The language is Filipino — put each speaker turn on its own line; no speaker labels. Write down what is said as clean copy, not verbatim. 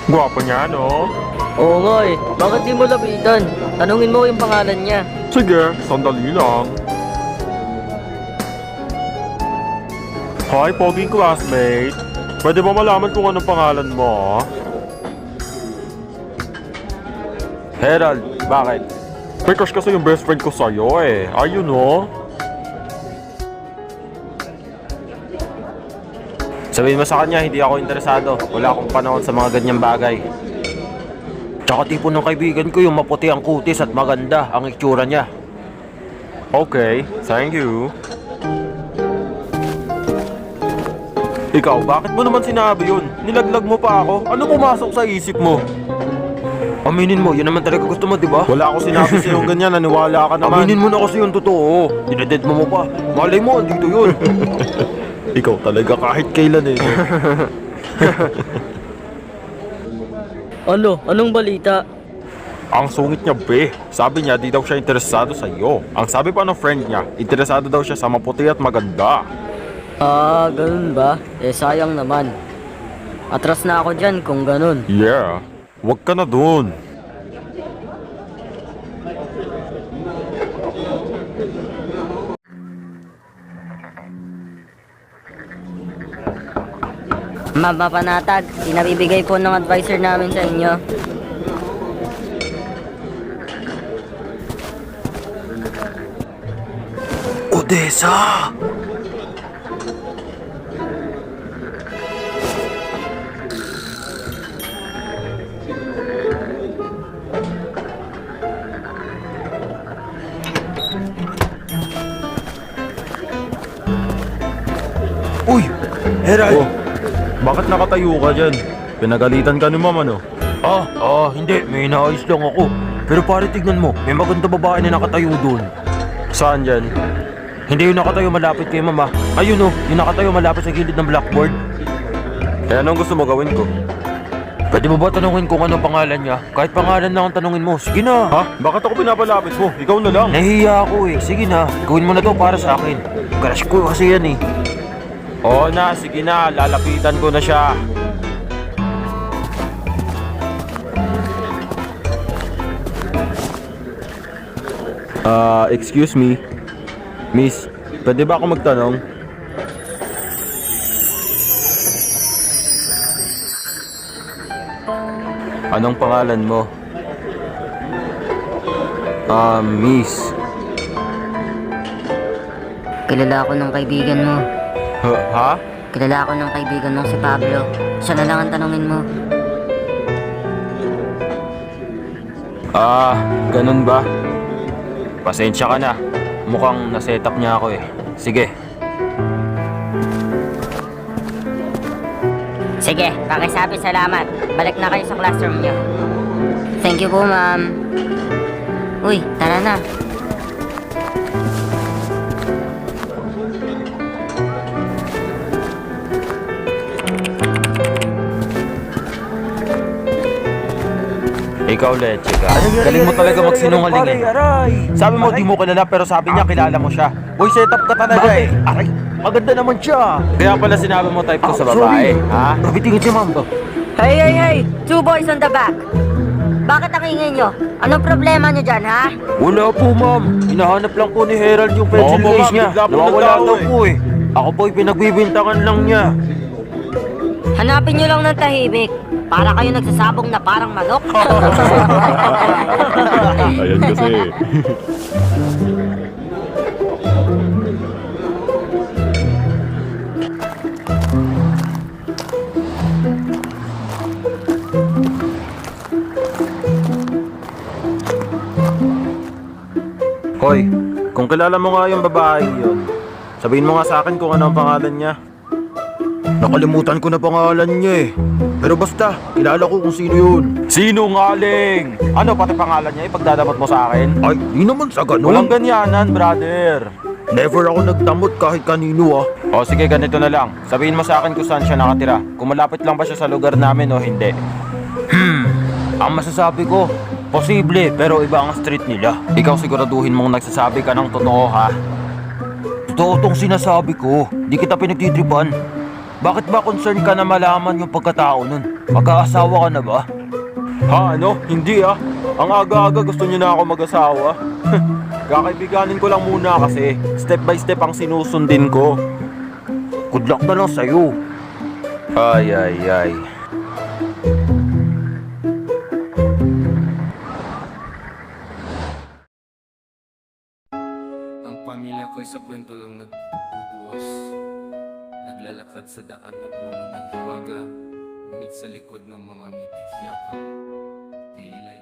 Gwapo niya, no?
Oo nga eh. Bakit di mo lapitan? Tanungin mo yung pangalan niya.
Sige, sandali lang. Hi, poging classmate. Pwede ba malaman kung anong pangalan mo? Herald, bakit? May crush kasi yung best friend ko sa'yo eh. Ayun no? Sabihin mo sa kanya, hindi ako interesado. Wala akong panahon sa mga ganyang bagay. Tsaka tipo ng kaibigan ko yung maputi ang kutis at maganda ang itsura niya. Okay, thank you. Ikaw, bakit mo naman sinabi yun? Nilaglag mo pa ako? Ano pumasok sa isip mo? Aminin mo, yun naman talaga gusto mo, di ba? Wala ako sinabi sa yung ganyan, naniwala ka naman. Aminin mo na kasi yung totoo. Dineded mo pa. Malay mo, andito yun. Ikaw talaga kahit kailan eh.
Ano? Anong balita?
Ang sungit niya, be. Sabi niya, di daw siya interesado sa iyo. Ang sabi pa ng friend niya, interesado daw siya sa maputi at maganda.
Ah, ganun ba? Eh, sayang naman. Atras na ako dyan kung ganun.
Yeah, wag ka na dun.
Ma'am Papanatag, pinabibigay po ng advisor namin sa inyo.
Odessa! Uy! Herald! Oh, bakit nakatayo ka dyan? Pinagalitan ka ni mama, no? Hindi. May inaayos lang ako. Pero pare, tignan mo. May maganda babae na nakatayo doon. Saan dyan? Hindi yung nakatayo malapit kay mama. Ayun, yung nakatayo malapit sa gilid ng blackboard. Eh, anong gusto mo gawin ko? Pwede mo ba tanungin kung anong pangalan niya? Kahit pangalan na ang tanungin mo. Sige na. Ha? Bakit ako pinapalapit mo? Ikaw na lang. Nahihiya ako eh. Sige na. Gawin mo na to para sa akin. Crush ko kasi yan eh. Oo na, sige na. Lalapitan ko na siya. Excuse me. Miss, pwede ba ako magtanong? Anong pangalan mo? Miss.
Kilala ako ng kaibigan mo.
Ha?
Kilala ako ng kaibigan mong si Pablo. Siya na lang ang tanungin mo.
Ganun ba? Pasensya ka na. Mukhang naset up niya ako eh. Sige.
Sige, pakisabi salamat. Balik na kayo sa classroom niyo. Thank you po, ma'am. Uy, tara na.
Ikaw, Leche ka. Galing mo talaga magsinungaling eh. Sabi mo, di mo kilala pero sabi niya kilala mo siya. Uy, set up ka talaga eh. Aray, maganda naman siya. Kaya pala sinabi mo type ko sa babae, ha? Nabitingin si ma'am to.
Hey! Two boys on the back. Bakit ang ingay nyo? Anong problema nyo dyan, ha?
Wala po, ma'am. Hinahanap lang po ni Herald yung pencil case niya. Nawawala daw po eh. Ako po'y pinagbibintangan lang niya.
Hanapin nyo lang ng tahimik. Para kayo nagsasabong na parang manok.
Ayan kasi. Hoy, kung kilala mo nga yung babae yun, sabihin mo nga sa akin kung ano ang pangalan niya. Nakalimutan ko na pangalan niya eh. Pero basta, kilala ko kung sino yun. Sinungaling! Ano pati pangalan niya ipagdadamot mo sa akin? Ay, di naman sa ganun. Walang ganyanan, brother. Never ako nagdamot kahit kanino ah. O sige, ganito na lang. Sabihin mo sa akin kung saan siya nakatira. Kung malapit lang ba siya sa lugar namin o hindi. Ang masasabi ko, posible pero iba ang street nila. Ikaw siguraduhin mong nagsasabi ka ng totoo ha. Totoo tong sinasabi ko. Di kita pinagtitripan. Bakit ba concern ka na malaman yung pagkatao nun? Magkaasawa ka na ba? Ha, ano? Hindi ah. Ang aga-aga gusto niyo na ako mag-asawa. Kakaibiganin ko lang muna kasi step by step ang sinusundin ko. Good luck na lang sa'yo. Ay, ay, ay.
Ang pamilya ko'y sa kwento lang nagbubuwas. Naglalakad sa daan na puno ng umaga, ngunit sa likod ng mga mitis yakap. Tila